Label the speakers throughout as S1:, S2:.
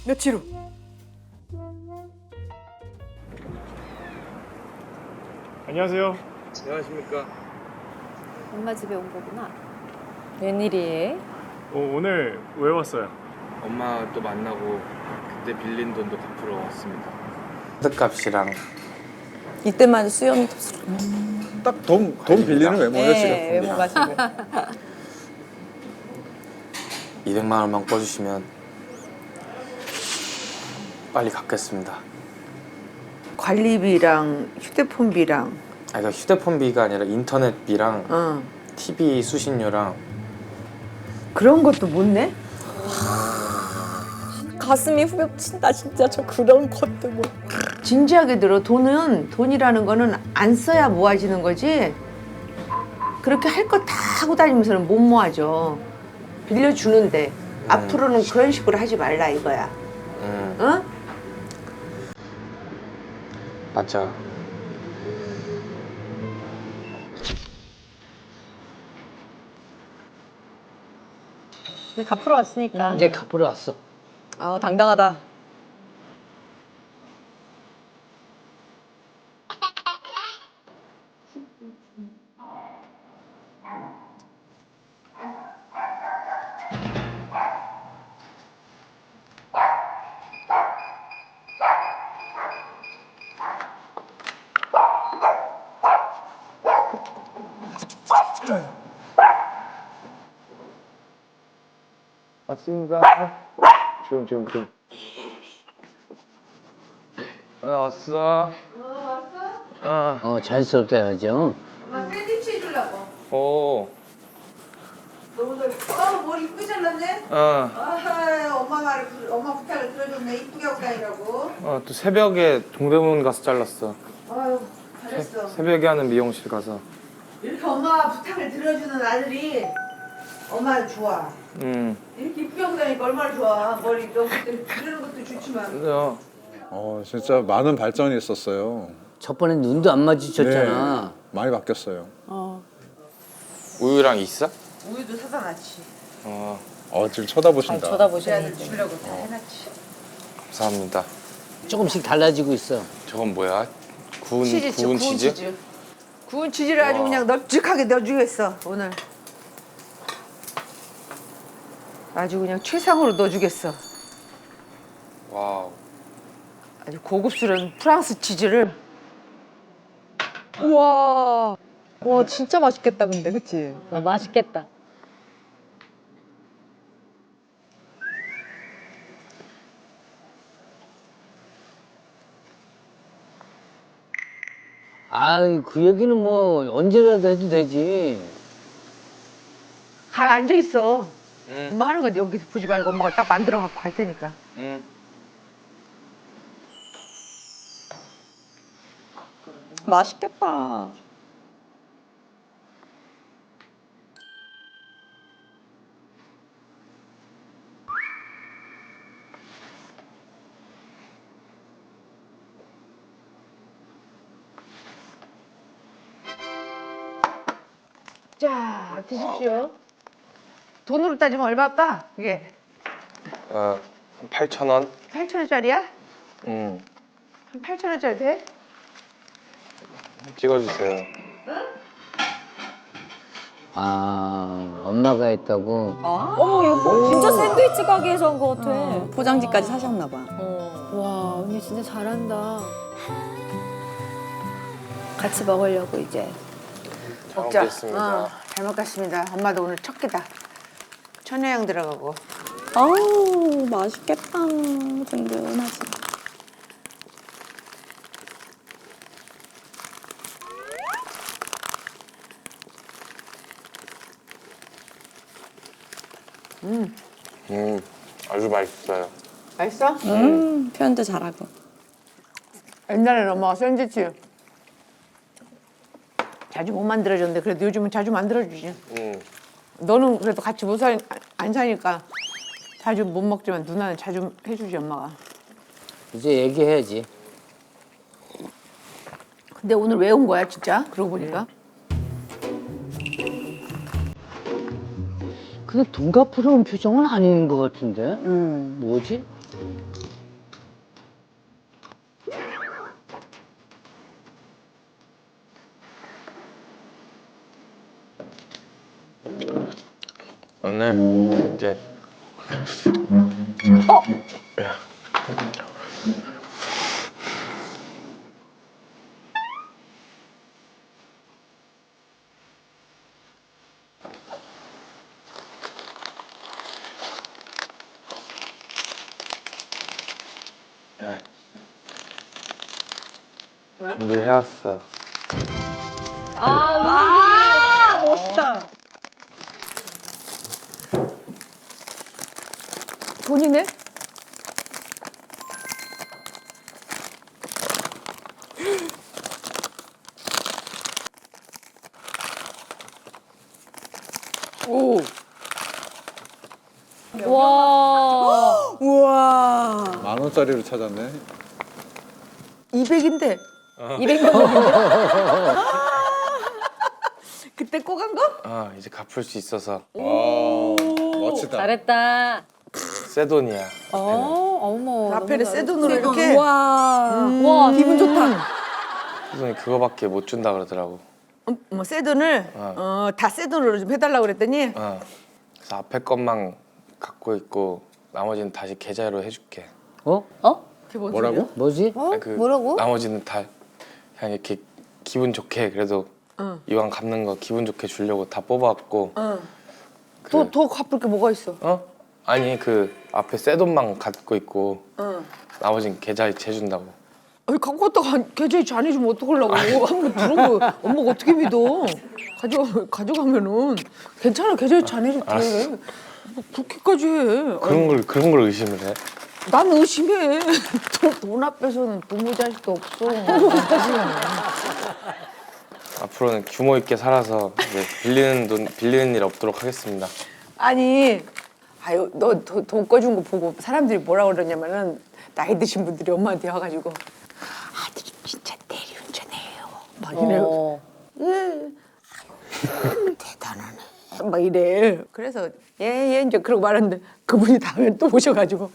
S1: 며칠 후.
S2: 안녕하세요.
S3: 안녕하십니까.
S4: 엄마 집에 온 거구나.
S5: 웬일이에요?
S2: 오늘 왜 왔어요?
S3: 엄마 또 만나고 그때 빌린 돈도 갚으러 왔습니다.
S6: 카드값이랑
S5: 이때만 수염
S7: 딱 돈 빌리는 외모죠 지금.
S5: 외모가 지금.
S6: 200만 원만 꿔주시면 빨리 갚겠습니다.
S1: 관리비랑 휴대폰비랑.
S6: 아, 그러니까 휴대폰비가 아니라 인터넷비랑 TV 수신료랑.
S1: 그런 것도 못 내?
S5: 가슴이 후벼 친다 진짜. 저 그런 것도 뭐.
S1: 진지하게 들어. 돈이라는 거는 안 써야 모아지는 거지. 그렇게 할 거 다 하고 다니면서는 못 모아져. 빌려주는데 앞으로는 그런 식으로 하지 말라 이거야. 어?
S6: 맞아.
S5: 근데 갚으러 왔으니까.
S8: 이제 갚으러 왔어.
S5: 아 당당하다.
S3: 왔습니다. 지금. 왔어.
S8: 자연스럽게 해야죠.
S1: 엄마 샌드위치 해주려고.
S3: 오.
S1: 너 오늘 머리 이쁘게 잘랐네? 엄마 부탁을 들어줬네. 이쁘게 하고 다니라고.
S3: 또 새벽에 동대문 가서 잘랐어.
S1: 아유 잘했어.
S3: 새벽에 하는 미용실 가서.
S1: 이렇게 엄마 부탁을 들어주는 아들이 엄마는 좋아. 이렇게 이쁘게 하고 다니까 얼마나 좋아. 머리 너 그때 기르는 것도 좋지만.
S7: 진짜 많은 발전이 있었어요.
S8: 저번에 눈도 안 마주쳤잖아.
S7: 많이 바뀌었어요.
S3: 우유랑 있어?
S1: 우유도 사다 놨지.
S7: 지금 쳐다보신다.
S1: 내
S5: 쳐다보시는
S1: 아들 주려고 다 해놨지.
S3: 감사합니다.
S8: 조금씩 달라지고 있어.
S3: 저건 뭐야? 구운
S1: 치즈지,
S3: 구운 치즈?
S1: 구운 치즈를 아주
S3: 와.
S1: 그냥 널찍하게 넣어주겠어 오늘. 아주 그냥 최상으로 넣어주겠어.
S3: 와우.
S1: 아주 고급스러운 프랑스 치즈를.
S5: 우와. 와 진짜 맛있겠다 근데 그치?
S4: 맛있겠다.
S8: 그 얘기는 뭐 언제라도 해도 되지.
S1: 가 앉아 있어.
S3: 응.
S1: 엄마 하는 건 여기서 보지 말고 엄마가 딱 만들어 갖고 갈 테니까.
S3: 응.
S5: 맛있겠다.
S1: 자 드십시오. 돈으로 따지면 얼마 빠? 이게
S3: 8,000원?
S1: 8,000원짜리야?
S3: 응.
S1: 한 8,000원짜리 돼?
S3: 찍어주세요.
S8: 엄마가 했다고.
S5: 어머 이거
S4: 진짜 샌드위치 가게에서 한 거 같아.
S5: 포장지까지 사셨나 봐.
S4: 와 언니 진짜 잘한다. 같이 먹으려고 이제.
S1: 먹자.
S3: 먹겠습니다.
S1: 잘 먹겠습니다. 엄마도 오늘 첫 끼다. 천혜향 들어가고.
S5: 아우 맛있겠다. 든든하지.
S3: 아주 맛있어요.
S1: 맛있어?
S5: 표현도 잘하고.
S1: 옛날에는 엄마가 샌드위치 자주 못 만들어줬는데 그래도 요즘은 자주 만들어주지. 너는 그래도 같이 안 사니까 자주 못 먹지만 누나는 자주 해주지 엄마가.
S8: 이제 얘기해야지.
S1: 근데 오늘 왜 온 거야 진짜? 그러고 보니까.
S8: 근데 돈 갚으러 온 표정은 아닌 것 같은데? 뭐지?
S6: 오늘 이제 준비해왔어.
S1: 돈이네? 오.
S4: 와.
S5: 우와.
S7: 10,000원짜리를 찾았네.
S1: 200인데.
S4: 200만
S1: 그때 꼬간 거?
S6: 이제 갚을 수 있어서
S7: 와, 멋지다.
S4: 잘했다.
S6: 새 돈이야.
S4: 어머.
S1: 라펠에 새 돈으로 이렇게.
S5: 와.
S4: 와,
S1: 기분 좋다.
S6: 새 돈이 그거밖에 못 준다 그러더라고.
S1: 뭐 새 돈을 다 새 돈으로 좀 해달라고 그랬더니
S6: 그래서 앞에 것만 갖고 있고 나머지는 다시 계좌로 해줄게.
S8: 어?
S1: 그게 뭔
S7: 뭐라고?
S1: 소리야?
S8: 뭐지?
S6: 아니, 그
S5: 뭐라고?
S6: 나머지는 다 그냥 이렇게 기분 좋게 그래도 이왕 갚는 거 기분 좋게 주려고 다 뽑아왔고.
S1: 더 갚을 게 뭐가 있어?
S6: 아니 그 앞에 새 돈만 갖고 있고 나머지는 계좌에 재준다고.
S1: 아니 갖고 왔다가 계좌에 안 해주면 어떡하려고. 한번 들어보. 엄마가 어떻게 믿어. 가져가면은 괜찮아. 계좌에 안 해줄게.
S6: 알았어.
S1: 뭐 그렇게까지 해.
S6: 그런 걸 의심을 해?
S1: 난 의심해. 돈 앞에서는 부모 자식도 없어.
S6: 앞으로는 규모 있게 살아서 이제 빌리는 일 없도록 하겠습니다.
S1: 아니, 아유, 너 돈 꺼준 거 보고 사람들이 뭐라 그러냐면은 나이 드신 분들이 엄마한테 와가지고 아들이 진짜 대리운전해요. 막 이래요. 예. 아유, 대단하네. 막 이래. 그래서 예 이제 그러고 말았는데 그분이 다음에 또 오셔가지고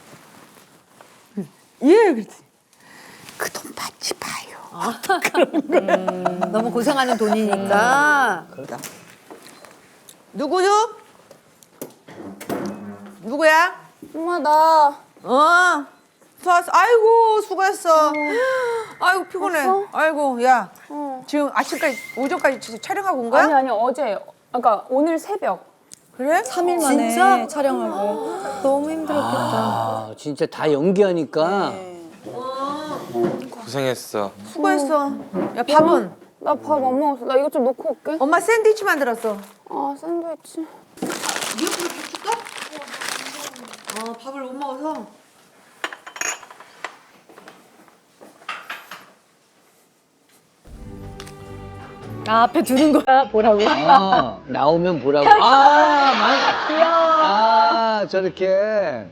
S1: 예 그랬더니 그 돈 받지 마요.
S4: 너무 고생하는 돈이니까.
S1: 누구요? 누구야?
S5: 엄마 나
S1: 수고했어. 아이고 수고했어. 아이고 피곤해. 아이고 야 지금 아침까지 오전까지 촬영하고 온 거야?
S9: 아니 어제 그러니까 오늘 새벽
S1: 그래?
S5: 3일 만에
S1: 진짜?
S5: 촬영하고 너무 힘들었겠다.
S8: 아, 진짜 다 연기하니까.
S6: 고생했어.
S1: 수고했어. 야 밥은?
S9: 나 밥 안 먹었어. 나 이것 좀 놓고 올게.
S1: 엄마 샌드위치 만들었어.
S9: 아 샌드위치.
S1: 미역국을 좀 줄까? 밥을 못 먹어서.
S4: 앞에 두는 거야, 보라고.
S8: 아, 나오면 보라고. 아, 저렇게.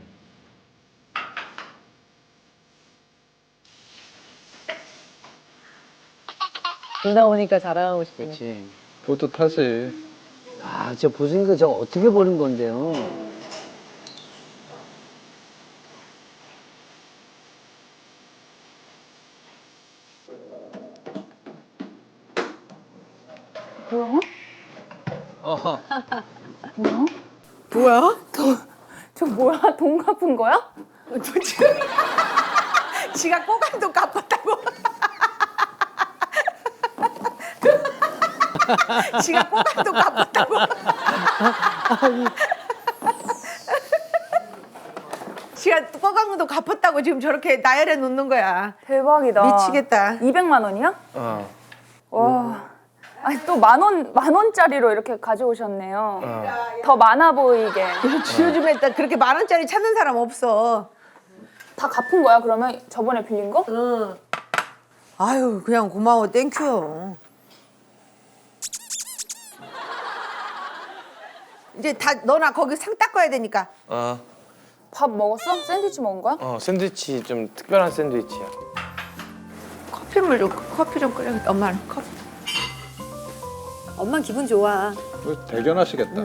S4: 누나 오니까 자랑하고 싶네.
S8: 그렇지.
S7: 뿌듯하지.
S8: 아, 저 보승이가 저거 어떻게 보는 건데요?
S9: 뭐야?
S8: 어허.
S1: 뭐야?
S9: 저 뭐야? 돈 갚은 거야?
S1: 지가 꼬간 돈 갚았다고. 지가 꼬간 돈 갚았다고. 지가 꼬간 돈 갚았다고 지금 저렇게 나열해 놓는 거야.
S9: 대박이다.
S1: 미치겠다.
S9: 200만 원이야? 와. 아니 또 만 원짜리로 이렇게 가져오셨네요. 더 많아 보이게.
S1: 요즘에 딱 그렇게 10,000원짜리 찾는 사람 없어.
S9: 다 갚은 거야? 그러면 저번에 빌린 거?
S1: 응. 아유 그냥 고마워 땡큐. 이제 다 너나 거기 상 닦아야 되니까.
S9: 밥 먹었어? 샌드위치 먹은 거야?
S6: 샌드위치 좀 특별한 샌드위치야.
S1: 커피 좀 끓여야겠다. 엄마는 커피.
S4: 엄마 기분 좋아.
S7: 대견하시겠다.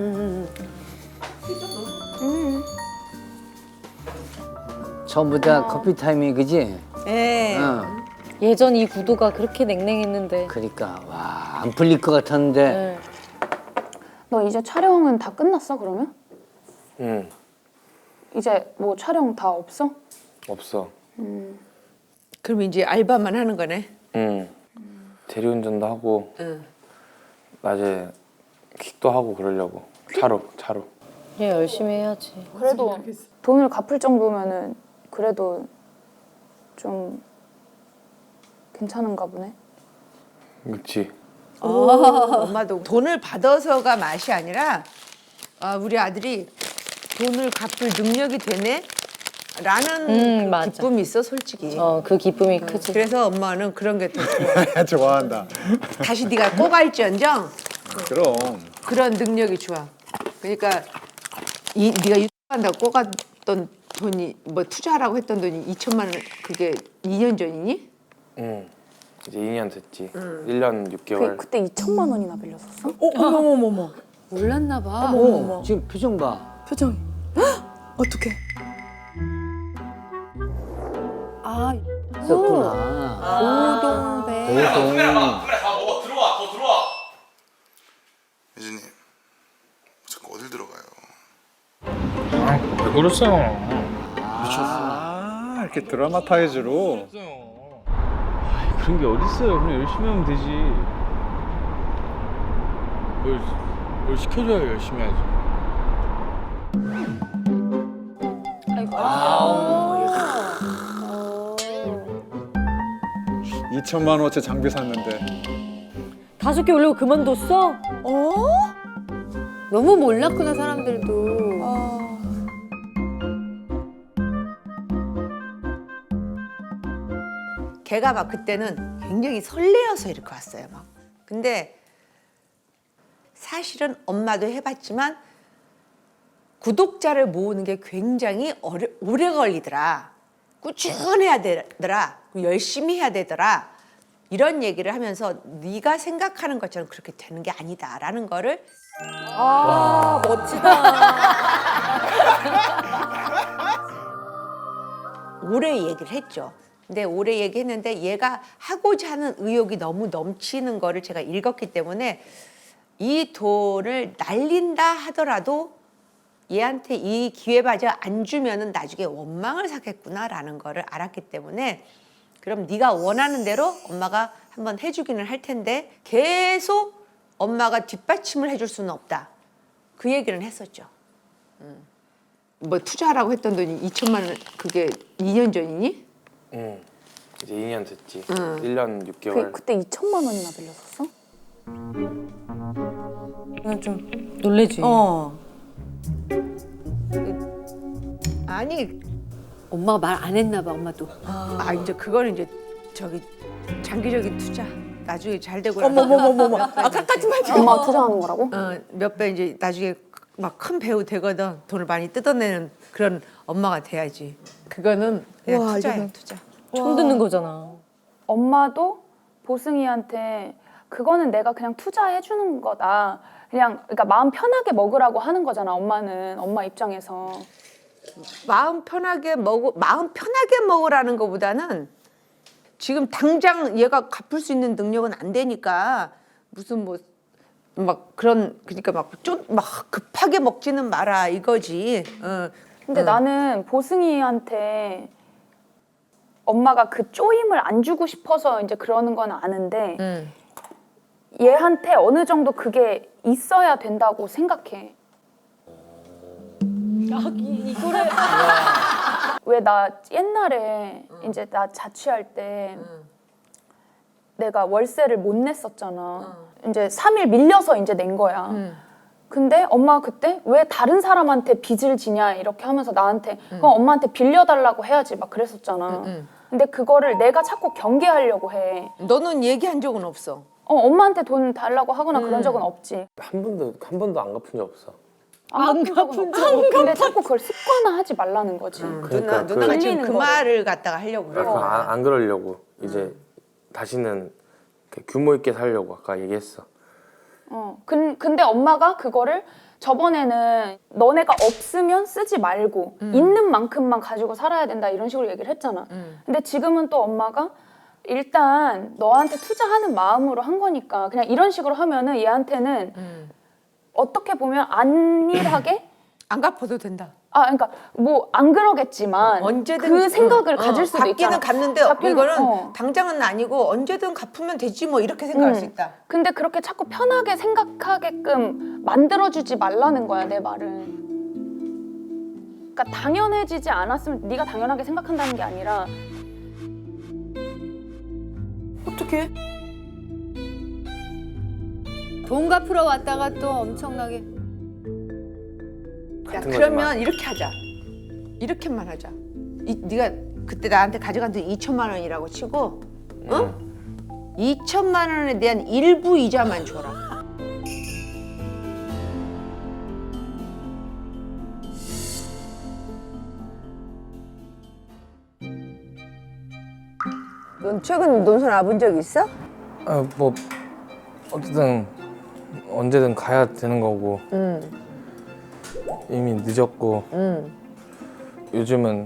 S8: 전부 다 커피 타임이 그지?
S1: 네.
S8: 응.
S4: 예전 이 구도가 그렇게 냉랭했는데.
S8: 그러니까 와 안 풀릴 것 같았는데
S4: 네.
S9: 너 이제 촬영은 다 끝났어 그러면?
S6: 응.
S9: 이제 뭐 촬영 다 없어?
S6: 없어.
S1: 그럼 이제 알바만 하는 거네.
S6: 응. 대리운전도 하고
S1: 응.
S6: 낮에 킥도 하고 그러려고. 차로.
S4: 그래 열심히 해야지.
S9: 그래도 돈을 갚을 정도면은 그래도 좀 괜찮은가 보네.
S6: 그렇지.
S1: 엄마도 돈을 받아서가 맛이 아니라 우리 아들이 돈을 갚을 능력이 되네? 라는 그
S4: 맞아.
S1: 기쁨이 있어 솔직히.
S4: 그 기쁨이 크지.
S1: 그래서 엄마는 그런 게 더 좋아.
S7: 좋아한다.
S1: 다시 네가 꼬갈지언정
S7: 그럼.
S1: 그런 능력이 좋아. 그러니까 네가 유튜브한다고 꼬갔던 돈이 뭐 투자하라고 했던 돈이 2천만 원 그게 2년 전이니?
S6: 응. 이제 2년 됐지. 1년 6개월.
S9: 그때 2천만 원이나 빌렸었어?
S5: 어머머머머.
S4: 몰랐나 봐.
S8: 어, 지금 표정 봐.
S5: 표정이. 어떡해. 아,
S8: 있었구나.
S5: 고동배.
S8: 고동.
S10: 예진님 자꾸 어딜 들어가요?
S3: 왜 그러세요?
S7: 아, 이렇게 드라마 타이즈로.
S3: 그런 게 어딨어요. 그냥 열심히 하면 되지. 뭘 시켜줘야 열심히 하지.
S7: 2천만 원어치 장비 샀는데.
S4: 5개 올리고 그만뒀어?
S1: 너무 몰랐구나 사람들도. 걔가 막 그때는 굉장히 설레어서 이렇게 왔어요 막. 근데 사실은 엄마도 해봤지만 구독자를 모으는 게 굉장히 오래 걸리더라. 꾸준해야 되더라. 열심히 해야 되더라. 이런 얘기를 하면서 네가 생각하는 것처럼 그렇게 되는 게 아니다라는 거를
S4: 아 멋지다.
S1: 오래 얘기를 했죠. 근데 오래 얘기했는데 얘가 하고자 하는 의욕이 너무 넘치는 거를 제가 읽었기 때문에 이 돈을 날린다 하더라도 얘한테 이 기회마저 안 주면은 나중에 원망을 사겠구나라는 거를 알았기 때문에 그럼 네가 원하는 대로 엄마가 한번 해주기는 할 텐데 계속 엄마가 뒷받침을 해줄 수는 없다. 그 얘기는 했었죠. 뭐 투자하라고 했던 돈이 2천만 원 그게 2년 전이니?
S6: 응. 이제 2년 됐지. 1년 6개월.
S9: 그때 2천만 원이나 빌렸었어?
S5: 좀.
S4: 놀래지.
S1: 아니
S4: 엄마가 말 안 했나 봐 엄마도.
S1: 이제 그거는 이제 저기 장기적인 투자 나중에 잘 되고
S5: 어머머머머머. 아까까지 말지.
S9: 엄마가 투자하는 거라고?
S1: 몇 배 이제 나중에 막 큰 배우 되거든 돈을 많이 뜯어내는 그런 엄마가 돼야지. 그거는 그냥
S5: 와,
S1: 투자야
S5: 이거는-
S1: 투자.
S4: 처음 듣는 거잖아.
S9: 엄마도 보승이한테 그거는 내가 그냥 투자해 주는 거다. 그러니까 마음 편하게 먹으라고 하는 거잖아. 엄마는 엄마 입장에서.
S1: 마음 편하게 먹으라는 것보다는 지금 당장 얘가 갚을 수 있는 능력은 안 되니까 무슨 뭐 막 그런 그러니까 막 좀 막 급하게 먹지는 마라 이거지.
S9: 근데 나는 보승이한테 엄마가 그 쪼임을 안 주고 싶어서 이제 그러는 건 아는데 얘한테 어느 정도 그게 있어야 된다고 생각해.
S4: 이거를
S9: 왜 나 옛날에 이제 나 자취할 때 내가 월세를 못 냈었잖아. 이제 3일 밀려서 이제 낸 거야. 근데 엄마가 그때 왜 다른 사람한테 빚을 지냐 이렇게 하면서 나한테 그럼 엄마한테 빌려달라고 해야지 막 그랬었잖아. 근데 그거를 내가 자꾸 경계하려고 해.
S1: 너는 얘기한 적은 없어.
S9: 엄마한테 돈 달라고 하거나 그런 적은 없지.
S6: 한 번도 안 갚은 적 없어.
S9: 안 갚은 적 없고. 근데 자꾸 그걸 습관화하지 말라는 거지.
S6: 그러니까
S1: 누나가 지금
S9: 빌리는
S1: 그
S9: 거를.
S1: 말을 갖다가 하려고 그래.
S6: 안 그러려고 이제 다시는 이렇게 규모 있게 살려고 아까 얘기했어.
S9: 근데 엄마가 그거를 저번에는 너네가 없으면 쓰지 말고 있는 만큼만 가지고 살아야 된다 이런 식으로 얘기를 했잖아. 근데 지금은 또 엄마가 일단 너한테 투자하는 마음으로 한 거니까 그냥 이런 식으로 하면은 얘한테는 어떻게 보면 안일하게
S1: 안 갚아도 된다.
S9: 그러니까 뭐 안 그러겠지만
S1: 언제든
S9: 그 생각을 가질 수도 있잖아.
S1: 갚기는 갚는데 이거는 당장은 아니고 언제든 갚으면 되지 뭐 이렇게 생각할 수 있다.
S9: 근데 그렇게 자꾸 편하게 생각하게끔 만들어주지 말라는 거야, 내 말은. 그러니까 당연해지지 않았으면 네가 당연하게 생각한다는 게 아니라
S1: 어떻게?
S4: 돈 갚으러 왔다가 또 엄청나게.
S1: 야,
S6: 같은
S1: 그러면
S6: 거지만.
S1: 이렇게 하자. 이렇게만 하자. 네가 그때 나한테 가져간 돈 2천만 원이라고 치고, 응? 2천만 원에 대한 일부 이자만 줘라. 넌 최근 논술 와본 적 있어?
S6: 뭐 어쨌든 언제든 가야 되는 거고 이미 늦었고 요즘은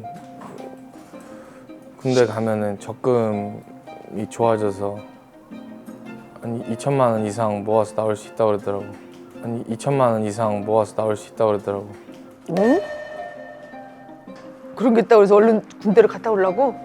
S6: 군대 가면은 적금이 좋아져서 한 2천만 원 이상 모아서 나올 수 있다고 그러더라고. 한 2천만 원 이상 모아서 나올 수 있다고 그러더라고.
S1: 응? 그런 게 있다고 해서 얼른 군대를 갔다 오려고?